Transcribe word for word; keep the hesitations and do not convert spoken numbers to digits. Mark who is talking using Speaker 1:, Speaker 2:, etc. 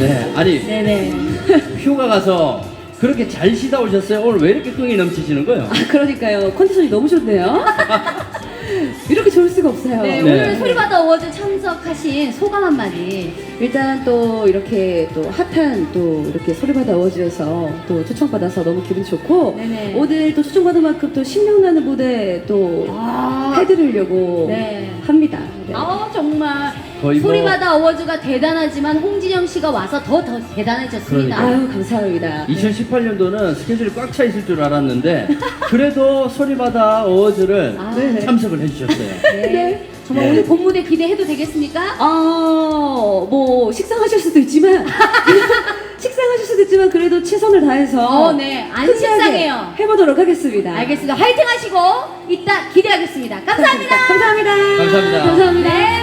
Speaker 1: 네, 아니
Speaker 2: 네네.
Speaker 1: 휴가 가서 그렇게 잘 쉬다 오셨어요? 오늘 왜 이렇게 끈이 넘치시는 거예요?
Speaker 3: 아, 그러니까요. 컨디션이 너무 좋네요. 이렇게 좋을 수가 없어요.
Speaker 2: 네,
Speaker 1: 네.
Speaker 2: 오늘 소리바다 어워즈 참석하신 소감 한마디.
Speaker 3: 일단 또 이렇게 또 핫한 또 이렇게 소리바다 어워즈에서 또 초청받아서 너무 기분 좋고
Speaker 2: 네네.
Speaker 3: 오늘 또 초청받은 만큼 또 신명나는 무대 또
Speaker 2: 아,
Speaker 3: 해드리려고
Speaker 2: 네.
Speaker 3: 합니다. 네.
Speaker 2: 아 정말
Speaker 1: 거의 뭐-
Speaker 2: 소리바다 어워즈가 대단하지만 홍진영 씨가 와서 더 더 대단해졌습니다.
Speaker 1: 그러니까요.
Speaker 3: 아유 감사합니다.
Speaker 1: 이천십팔 년도는 스케줄이 꽉 차 있을 줄 알았는데 그래도 소리바다 어워즈를
Speaker 2: 아,
Speaker 3: 네네.
Speaker 1: 참석을 해주셨어요.
Speaker 2: 네. 정말
Speaker 1: 네.
Speaker 2: 오늘 본 무대 기대해도 되겠습니까?
Speaker 3: 아, 뭐 식상하실 수도 있지만 식상하실 수도 있지만 그래도 최선을 다해서
Speaker 2: 어, 네. 안
Speaker 3: 끝나게
Speaker 2: 식상해요.
Speaker 3: 해보도록 하겠습니다.
Speaker 2: 알겠습니다. 화이팅 하시고 이따 기대하겠습니다. 감사합니다.
Speaker 3: 감사합니다.
Speaker 1: 감사합니다.
Speaker 3: 감사합니다.
Speaker 2: 네.